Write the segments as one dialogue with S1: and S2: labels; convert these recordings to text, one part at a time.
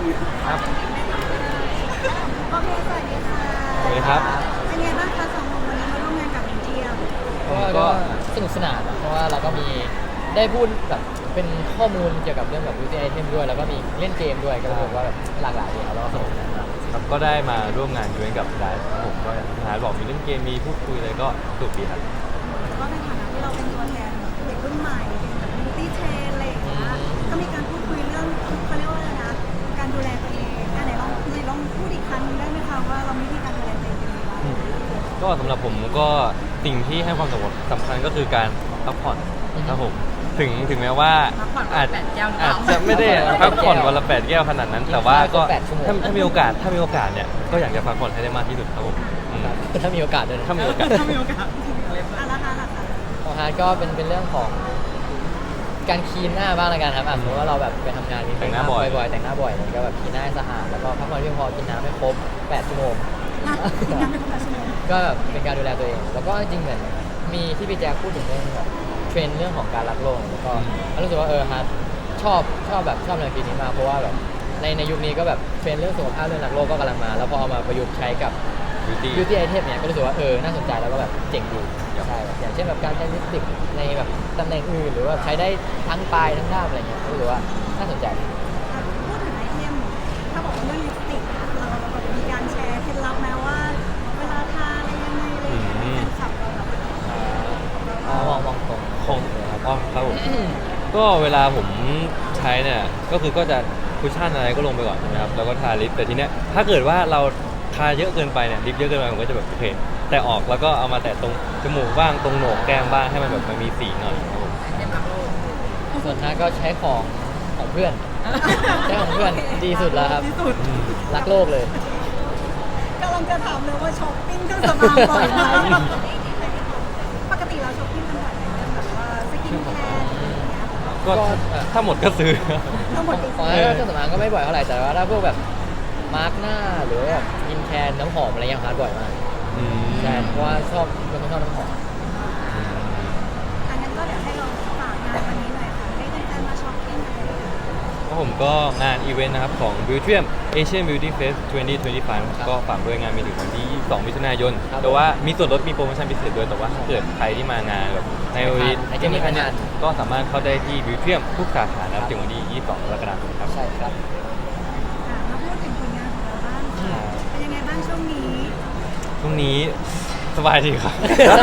S1: ครับ
S2: โอเคสวัสดีค่ะ
S1: สวัสดีครับ
S2: เป็นไงบ้างคะสองคนวันนี้มาร่วมงานกับมิเทียม
S3: ก็สนุกสนานอะเพราะว่าเราก็มีได้พูดแบบเป็นข้อมูลเกี่ยวกับเรื่องแบบ beauty item ด้วยแล้วก็มีเล่นเกมด้วยก็รู้สึกว่าแบบหลากหลายดีครับแล้วก็สนุกสนานมาก
S1: ครับก็ได้มาร่วมงานด้วยกับได้ครับผมก็อย่างที่ฮาร์ดบอกมีเล่นเกมมีพูดคุยอะไรก็สนุกดีครับ
S2: ก็ในฐานะที่เราเป็นตัวแทนเด็กรุ่นใหม่เป็นแบบบิวตี้เทรนอะไรอย่างเงี้ยก็มีการพูดคุยเรื่องเขาเรียกว่าอะไรนะการดูแลตัวเองไหนลองพูดอีกครั้งหนึงได้ไหมคะว่าเรามีวิธีการดูแลตัวเองเป็นยังไงบ้าง
S1: ก็สำหรับผมก็สิ่งที่ให้ความสำคัญก็คือการพักผ่อนครับผมถึงแม้ว่าอาจจะไม่ได้พักผ่อนวันละ8 แก้วขนาดนั้น แต่ว่าก็ถ้ามีโอกาสเนี่ยก็อยากจะพักผ่อนให้ได้มากที่สุดครับผม
S3: ถ้ามีโอกาสด้วยนะ
S1: ถ้ามีโอกาส
S2: อ่ะราคาล่ะคะ
S3: ของฮาร์ดก็เป็นเรื่องของการคลีนหน้าบ้างละกันครับสมมติว่าเราแบบไปทำงานมี
S1: แต่งหน้าบ่อย
S3: แต่งหน้าบ่อยก็แบบคลีนหน้าให้สะอาดแล้วก็พักผ่อนเพียงพอกินน้ำให้ครบ8 ชั่วโมง
S2: อีกอย่างหนึงของชั่วโมง
S3: ก็แบบเป็นการดูแลตัวเอง แล้วก็จริงๆเหมือนมีที่พี่แจ๊คพูดถึงเรื่องแบบเทรนด์เรื่องของการรักโลกแล้วก็รู้สึกว่าฮาร์ดชอบแบบชอบแนวคิดนี้มากเพราะว่าแบบในยุคนี้ก็แบบเทรนด์เรื่องสุขภาพเรื่องรักโลกก็กำลังมา แล้วพอเอามาประยุกต์ใช้กับ
S1: beauty
S3: beauty item เนี่ยก็รู้สึกว่าน่าสนใจแล้วก็แบบเจ๋งดีใช่แบบอย่างเช่นแบบการใช้ลิปสติกในแบบตำแหน่งอื่นหรือว่าใช้ได้ทั้งปลายทั้งด้ามอะไรเงี้ยก็รู้สึกว่าน่าสนใจ
S2: พูดถึงไอเทมถ้าบอกว่าเรื่องลิปสติกเราแบบมีการแชร์เคล็ดลับไหมว่าเวลาทาอะไรยังไงอะไรอย่างเงี้ยให้แฟนคลับเราแบบ
S3: มองตรง
S1: ของอ๋อครับผมก็เวลาผมใช้เนี่ยก็จะคุชชั่นอะไรก็ลงไปก่อนใช่ไหมครับแล้วก็ทาลิปแต่ทีเนี้ยถ้าเกิดว่าเราทาเยอะเกินไปเนี่ยลิปเยอะเกินไปผมก็จะแบบโอเคแต่ออกแล้วก็เอามาแตะตรงจมูกบ้างตรงโหนกแก้มบ้างให้มันแบบมันมีสีหน่อยครับผม
S3: ส่วนฮาร์ดก็ใช้ของเพื่อนใช้ของเพื่อนดีสุดแล้วครับ
S2: ที่สุด
S3: รักโลกเลย
S2: กำลังจะถามเลยว่าช้อปปิ้งเครื่องสำอางบ่อยไหมปกติเราช้อปปิ้งกันบ่อยไหมเรื่องแบบว่าสกินแคร์อะไรอย่างเงี้ย
S1: ก็ถ้าหมดก็ซื้อ
S2: ทั้งหมด
S3: ของฮาร์ดเครื่องสำอางก็ไม่บ่อยเท่าไหร่แต่ว่าถ้าพวกแบบมาร์กหน้าหรือแบบกินแคนน้ำหอมอะไรอย่างฮาร์ดบ่อยมากใช่เพราะว่าเป็นคนชอบน้ำหอม
S2: อันนั้นก็เดี๋ยวให้เราฝากงานวันนี้หน่อยค่ะให้แฟนๆมาช้อปปิ้งอะไรอย่างเงี้ย
S1: ก็ผมก็งานอีเวนต์นะครับของ Beautyum Asian Beauty Fest 2025 ก็ฝากด้วยงานมีถึงวันที่22 มิถุนายน
S3: ครับ
S1: แต่ว่ามีส่วนลดมีโปรโมชั่นพิเศษด้วยแต่ว่าถ้าเกิดใครที่มางานแบบในวันนี้
S3: ใครที่มีงาน
S1: ก็สามารถเข้าได้ที่ Beautyum ทุกสาขานะครับถึงวันที่22 กรกฎาคมครับ
S3: ใช่ครับ
S2: มาพูดถึงผลงานของเราบ้างค่ะเป็นยังไงบ้างช่วงนี้
S1: ช่วงนี้สบายดีครับ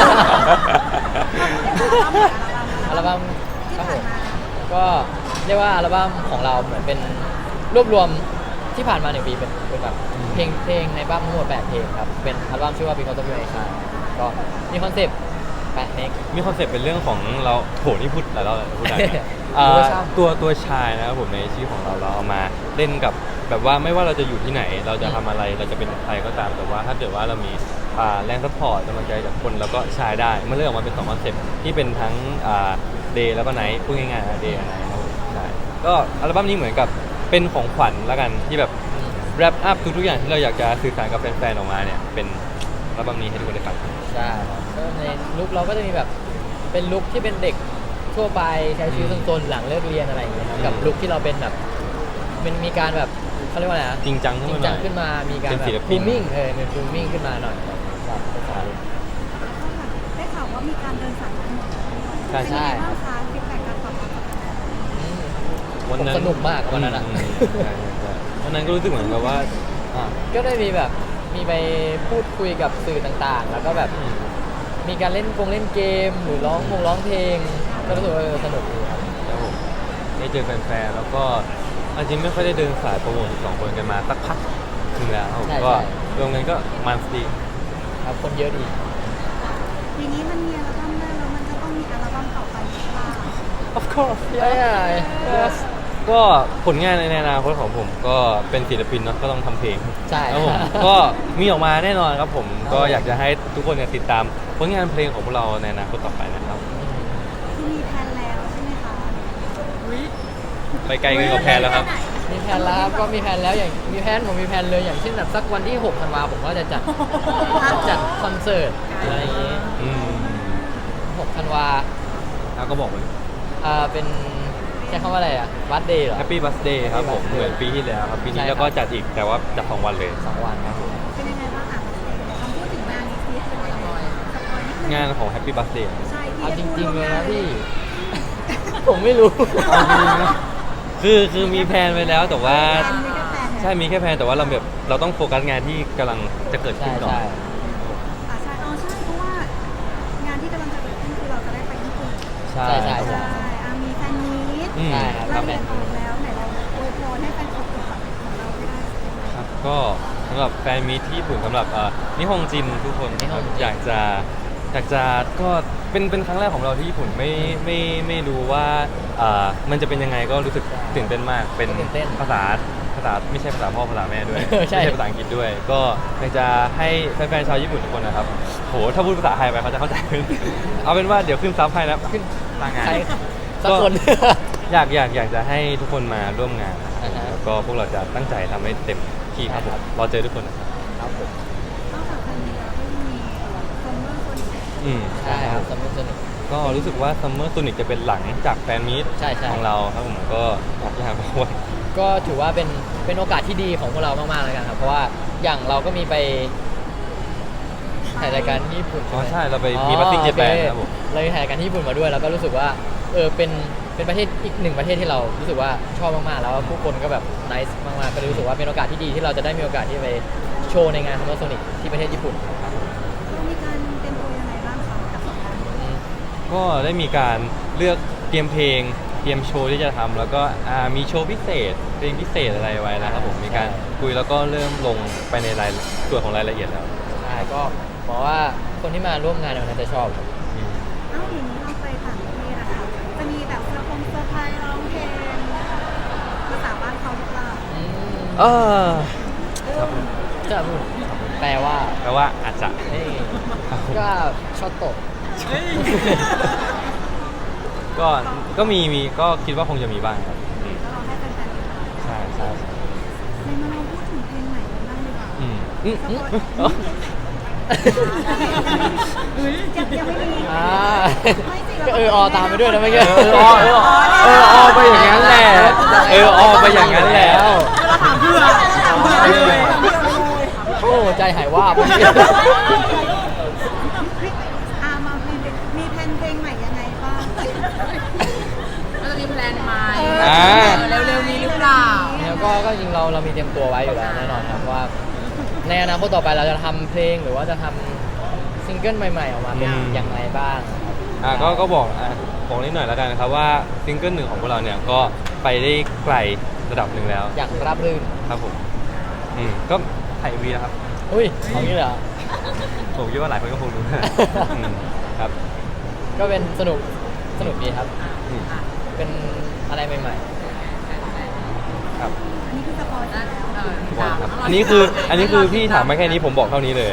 S3: อัลบั้ม
S2: ที่
S3: ครับ
S2: ผ่า
S3: ผ
S2: น
S3: ม
S2: มา
S3: ก็เรียกว่าอัลบั้มของเราเหมือนเป็นรวบรวมที่ผ่านมา1 ปีเป็นแบบเพลงในบั้มทั้งหมด8 เพลงครับเป็นอัลบั้มชื่อว่า Because of You ในชาก็มีคอนเซปต์8 เพลง
S1: มีคอนเซ็ปต์เป็นเรื่องของเราโหนี่พูดหลายรอบแล้วพูดได้ไหม ตัวชายนะครับผมในชื่อของเราเอามาเล่นกับแบบว่าไม่ว่าเราจะอยู่ที่ไหนเราจะทำอะไรเราจะเป็นใครก็ตามแต่ว่าถ้าเกิดว่าเรามีแรงซัพพอร์ตกำลังใจจากคนแล้วก็ชายได้มันเริ่มออกมาเป็น2 คอนเซ็ปต์ที่เป็นทั้งเดย์แล้วก็ไนท์พูดง่ายๆเดย์กับไนท์ครับผมใช่ก็อัลบั้มนี้เหมือนกับเป็นของขวัญแล้วกันที่แบบแรปอัพทุกๆอย่างที่เราอยากจะสื่อสารกับแฟนๆออกมาเนี่ยเป็นอัลบั้มนี้ให้ทุกคนได้ฟัง
S3: ใช่ครับก็ในลุคเราก็จะมีแบบเป็นลุคที่เป็นเด็กทั่วไปใช้ชีวิตซนๆหลังเลิกเรียนอะไรอย่างเงี้ยครับกับลุคที่เราเป็นแบบเป็นมีการแบบเขาเรียกว่าอะไรนะ
S1: จริงจัง
S3: จริ
S1: ขึ้
S3: ง
S1: นมาห
S3: จั
S1: น่
S3: ง
S1: อย
S3: ขึ้นมามีการ
S1: เป็น
S3: แบบ
S1: ศิลปิ
S3: บู
S1: น
S3: มมิ่งเป็นบูมมิ่งขึ้นมาหน่อยครับเป็นสาย
S2: ได้ข่าวว่ามีการเดินสายทั้งหมด
S3: ใช่
S2: เป็นยังไงบ้างคะฟีดแบ็กการตอบรับจากแฟน
S1: วันนั้น
S3: ผมสนุกมากวันนั้นอะ
S1: ใช่วันนั้นก็รู้สึกเหมือนกับว่า
S3: ก็ได้มีแบบมีไปพูดคุยกับสื่อต่างๆ แล้วก็แบบมีการเล่นเกมหรือร้องเพลงก็รู้สึกว่าสนุกดีครับ
S1: ครับผมได้เจอแฟนๆแล้วก็จริงไม่ค่อยได้เดินสายโปรโมท2 คนกันมาสักพักถึงแล้วครับผมก็รวมกันก็มันดี
S3: ครับคนเยอะดี
S2: ๆทีนี้มันมีอัลบั้มแรกแล้วมันจะต้องมีอัลบั้มต่อไปหรือเปล่า
S1: of course
S3: ใช่
S1: ก็ผลงานในอนาคตของผมก็เป็นศิลปินเนาะก็ต้องทำเพลง
S3: ใช่
S1: ครับผมก็มีออกมาแน่นอนครับผมก็อยากจะให้ทุกคนเนี่ยติดตามผลงานเพลงของพวกเราในอนาคตต่อไปนะครับ
S2: คือมีแพลนแล้วใช่ไหมคะ
S1: ไปไกลเกินกว่าแพลนแล้วครับ
S3: มีแผนแล้วครับก็มีแผนแล้วอย่างผมมีแผนเลยอย่างเช่นแบบสักวันที่6 ธันวาผมก็จะจัดคอนเสิร์ตอะไรอย่างงี้
S1: อืม
S3: 6 ธันวา
S1: แล้วก็บอกไปเลย
S3: เป็นใช้คำว่าอะไรอ่ะบัสเดย์เหรอ
S1: Happy Birthday ครับผม
S3: Happy Birthday
S1: เหมือนปีที่แล้วครับปีนี้
S3: ใช่ครับ
S1: แล้วก็จัดอีกแต่ว่าจัด2 วันเลย
S3: 2 วันครับผม
S2: เป็นยังไงบ้างคะลองพูดถึงงานนี้สิเป็นยังไงสปอยนิดนึง
S1: งานของ Happy Birthday
S2: ใช่
S3: เอาจ
S2: ที่
S3: ริงๆเลยนะ
S2: พูด
S3: พี่ ผมไม่รู้
S1: คือมีแพลนไว้แล้วแต่ว่า
S2: ใช่
S1: ใช่มีแค่แพลนแต่ว่าเราต้องโฟกัสงานที่กำลังจะเกิด
S3: ใช่
S1: ขึ้นก่อน
S3: ใช่
S2: ใช่ใช่เพราะว่างานที่กำลังจะเกิดขึ้นคือเราจะได้ไปญี่ปุ่น
S1: ใช่
S3: ใช่
S2: ใช่มีแฟนมีต
S1: อืม
S3: ใช่ครับ
S2: รายละเอียดออกแล้วไหนเราอวยพรให้แฟนคลับของเราไม่ได้
S1: ครับก็สำหรับแฟนมีตที่ญี่ปุ่นสำหรับนิฮงจินทุกคน
S3: นิฮงจิน
S1: อยากจะก็เป็นครั้งแรกของเราที่ญี่ปุ่นไม่รู้ว่ามันจะเป็นยังไงก็รู้สึกตื่นเต้นมากเป็น
S3: ตื่นเต้น
S1: ภาษาไม่ใช่ภาษาพ่อภาษาแม่ด้วย
S3: ใช่
S1: ไม่ใช่ภาษาอังกฤษด้วย ก็อยากจะให้แฟนๆชาวญี่ปุ่นทุกคนนะครับโหถ้าพูดภาษาไทยไปเขาจะเข้าใจขึ้น เอาเป็นว่าเดี๋ยวขึ้นซับให้นะขึ้นตางาน
S3: ใครสักคน
S1: อยากจะให้ทุกคนมาร่วมงานนะครับ
S3: อ่าฮะ
S1: แล้วก็พวกเราจะตั้งใจทำให้เต็มที่ครับผมรอเจอทุกคนนะครับ
S3: ครับผม
S2: นอกจากแฟนมีตแล้วก็ยังมีคอมเมอร์คนอื่น
S1: อืม
S3: ใช่ครับสนุกสนุก
S1: ก็รู้สึกว่าซัมเมอร์ o นิกจะเป็นหลังจากแฟนมีต
S3: ใช่ใช่
S1: ของเราครับผมก็อยากจะหาบอกว่า
S3: ก็ถือว่าเป็นโอกาสที่ดีของพวกเรามากๆแล้วกันครับ เพราะว่าอย่างเราก็มีไปถ่ายรายการที่ญี่ปุ่น
S1: อ๋อ
S3: ไหม
S1: ใช่เราไปมีบัตติ้งเจแปน
S3: โอเค
S1: ครับผม
S3: เราไปถ่ายรายการที่ญี่ปุ่นมาด้วยแล้วก็รู้สึกว่าเป็นประเทศอีกหนึ่งประเทศที่เรารู้สึกว่าชอบมากๆแล้วผู้คนก็แบบนิสมากๆก็เลยรู้สึกว่าเป็นโอกาสที่ดีที่เราจะได้มีโอกาสที่ไปโชว์ในงานซัมเมอร์โซนิกที่ประเทศญี่ปุ่นครับ
S2: เรามีการเตรียมตัวยังไงบ้างคะกับสองงานนี้
S3: อืม
S1: ก็ได้มีการเลือกเตรียมเพลงเตรียมโชว์ที่จะทำแล้วก็มีโชว์พิเศษเพลงพิเศษอะไรไว้นะครับผมมีการคุยแล้วก็เริ่มลงไปในรายส่วนของรายละเอียดแล้ว
S3: ใช่ก็บอกว่าคนที่มาร่วมงานในวันนั้นจะชอบครับ
S1: อืม
S2: เอ้าอย่างนี้เราไปต่างประเทศอะค่ะจะมีแบบเซอร์ไพรส์ร้องเพลงภาษาบ้านเขาหรือเปล่า
S3: อืม
S1: เออ
S3: จะพูดแปลว่า
S1: แปลว่าอาจจะ
S3: เฮ้ยก็ช็อตโตะ
S1: ก็มีก็คิดว่าคงจะมีบ้างครับอืม
S2: แล้วเราให้แฟนๆติดตาม
S1: ใช่ใช่
S2: ในมาเราพูดถึงเพลงใหม่กันบ้างดีกว่า
S1: อืมอืม
S2: ส
S1: อืม
S2: ปอย
S1: อ๋อ
S2: ยังไม่มี
S3: อ่า
S2: ไม่สิ
S3: ก็ตามไปด้วยนะเมื่อกี้
S1: ไปอย่างนั้นแหละไปอย่างนั้นแล้ว
S2: เราถามเพื่อเลย
S3: โอ้ใจหายว่าบเมื่อกี้
S2: มามีแพลนเพลงใหม่ยังไงบ้าง
S4: เราจะมีแพลนไหม
S1: อ่า
S4: เร็วๆนี้หรือเปล่า
S3: แล้วก็จริงเรามีเตรียมตัวไว้อยู่แล้วแน่นอนครับว่า ในอนาคตต่อไปเราจะทำเพลงหรือว่าจะทำซิงเกิลใหม่ๆออกมาเป็นยังไงบ้างครับ
S1: ก็บอกนิดหน่อยแล้วกันนะครับว่าซิงเกิลหนึ่งของพวกเราเนี่ยก็ไปได้ไกลระดับหนึ่งแล้ว
S3: อย่างราบรื่น
S1: ครับผมก็ถ่ายวีนะครับ
S3: อุ้ยเอางี้เลยเหรอ
S1: ผมคิดว่าหลายคนก็คงรู้ ครับ
S3: ก็เป็นสนุกดีครับ
S1: อืม
S3: เป็นอะไรใหม่
S1: ครับ
S2: อันนี้คือสปอยล์แล้ว
S1: บอกครับอันนี้คือพี่ถามมาแค่นี้ผมบอกเท่านี้เลย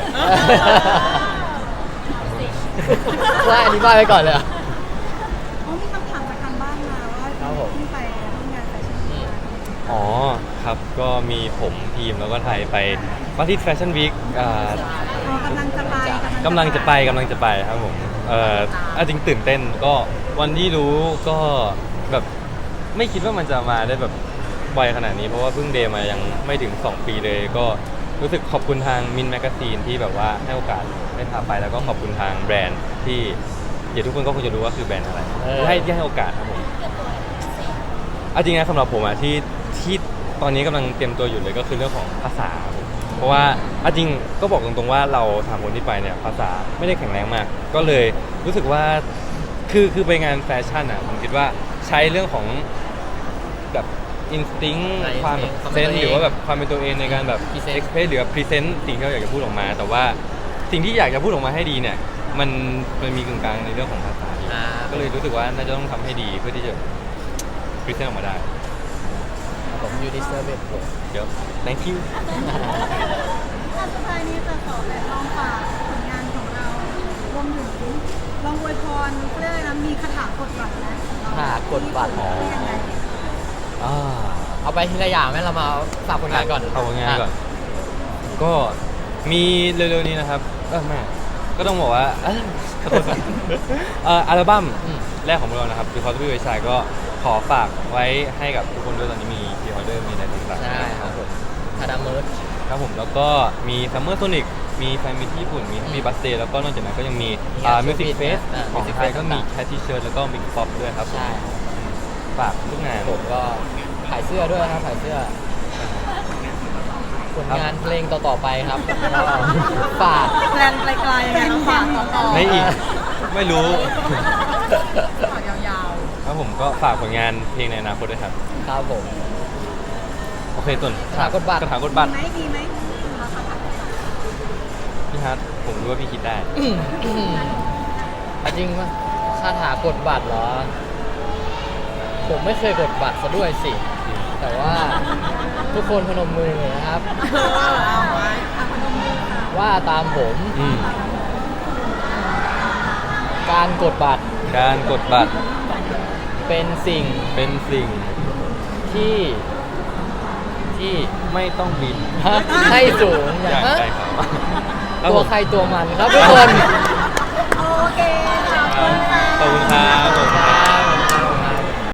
S3: ๆว่าอธิบายไปก่อนเลยเหรอ
S2: อ๋อมีคำถามจากทางบ้านมาว่า
S3: ครับผม
S2: ที่ไปร่วมงานแฟชั่นวีค
S1: อ๋อครับก็มีผมทีมแล้วก็ไทยไปปารีสแฟชั่นวีค
S2: กำลังจะไป
S1: กำลังจะไปครับผมจริงตื่นเต้นก็วันที่รู้ก็แบบไม่คิดว่ามันจะมาได้แบบไวขนาดนี้เพราะว่าเพิ่งเดย์มายังไม่ถึง 2 ปีเลย ก็รู้สึกขอบคุณทางมินแมกซีนที่แบบว่าให้โอกาสได้พาไปแล้วก็ขอบคุณทางแบรนด์ที่เดี๋ยวทุกคนก็คงจะรู้ว่าคือแบรนด์อะไรที่ให้โอกาสครับผมจริงนะสำหรับผมที่ตอนนี้กำลังเตรียมตัวอยู่เลยก็คือเรื่องของภาษาครับผมเพราะว่าจริงก็บอกตรงๆว่าเราสามคนที่ไปเนี่ยภาษาไม่ได้แข็งแรงมาก ก็เลยรู้สึกว่าคือไปงานแฟชั่นผมคิดว่าใช้เรื่องของแบบอินสติ้ง
S3: ใช่
S1: ความแบบ
S3: ความ
S1: เซ
S3: เป็น
S1: น
S3: ตัวเอง
S1: หรือว่าแบบความเป็นตัวเองในการแบบ
S3: Present
S1: เอ็กเพรสหรือพรีเซนต์สิ่งที่เราอยากจะพูดออกมา แต่ว่าสิ่งที่อยากจะพูดออกมาให้ดีเนี่ยมันมีกึ่งกลางในเรื่องของภาษาอยู่
S3: อ่า
S1: ก็เลยรู้สึกว่าน่าจะต้องทำให้ดีเพื่อที่จะพรีเซนต์ออกมาได้
S3: ผม you deserve it
S1: เดี๋ยว thank you
S2: งานสุดท้ายนี้จะขอแบบลองฝากผลงานของเรารวมถึงลองอวยพรเขาเรียกอะไรนะมีคาถากดบัตรนะของเรา
S3: คาถากดบัตร
S2: ที่เป็นยังไง
S1: อ่า
S3: เอาไปทีละอย่างไหมเรามาฝากผลงานก่อน
S1: เอาผลงานก่อน ก็มีเร็วๆนี้นะครับแม่ก็ต้องบอกว่าขอโทษครับอัลบั้ม
S3: อืม
S1: แรกของเรานะครับ Because of You I Shine ก็ขอฝากไว้ให้กับทุกคนด้วยตอนนี้มีพรีออเดอร์มีอะไรต่างๆ
S3: ใช่ครับผมทาดาเมิร์ช
S1: ครับผมแล้วก็มี Summer Sonic มีแฟนมิตที่ญี่ปุ่นมี Happy Birthday แล้วก็นอกจากนั้นก็ยังมี
S3: มีงาน
S1: Music
S3: Showbiz
S1: Fest
S3: นะ
S1: ของ
S3: Music
S1: ไทย
S3: Fest
S1: ก็มี
S3: ต่างๆ
S1: แคททีเชิร์แล้วก็ Mix Pop ด้วยครับ
S3: ใช่
S1: ฝากทุกงาน
S3: ผมก็ขายเสื้อด้วยนะครับขายเสื้อผลงานเพลงต่อๆไปครับก็ฝาก
S2: แพลนไกลๆยังไงน้องฝากต่อ
S1: ไม่อีก ไม่รู้
S4: ฝากยาว
S1: ครับผมก็ฝากผลงานเพลงในอนาคตด้วยครับ
S3: ครับผม
S1: โอเคตุน
S3: กระถางกดบัตร
S1: กระถางกด
S2: ๆ
S1: บัตร
S2: ดีไหม
S1: พี่ฮัทผมรู้ว่าพี่คิดได้
S3: เอาจริงปะคาถากดบัตรเหรอ ผมไม่เคยกดบัตรซะด้วยสิ แต่ว่าทุกคนพนมมือนะครับ
S4: เอาไว้
S3: ว่าตามผม
S1: อืม
S3: การกดบัตร
S1: การกดบัตร
S3: เป็นสิ่ง
S1: เป็นสิ่ง
S3: ที่ที่
S1: ไม่ต้องบิน
S3: ฮะให้สูง
S1: อย่าง
S3: ฮะ
S1: ไรครับ
S3: ตัวใครตัวมันครับทุกคน
S2: โอเค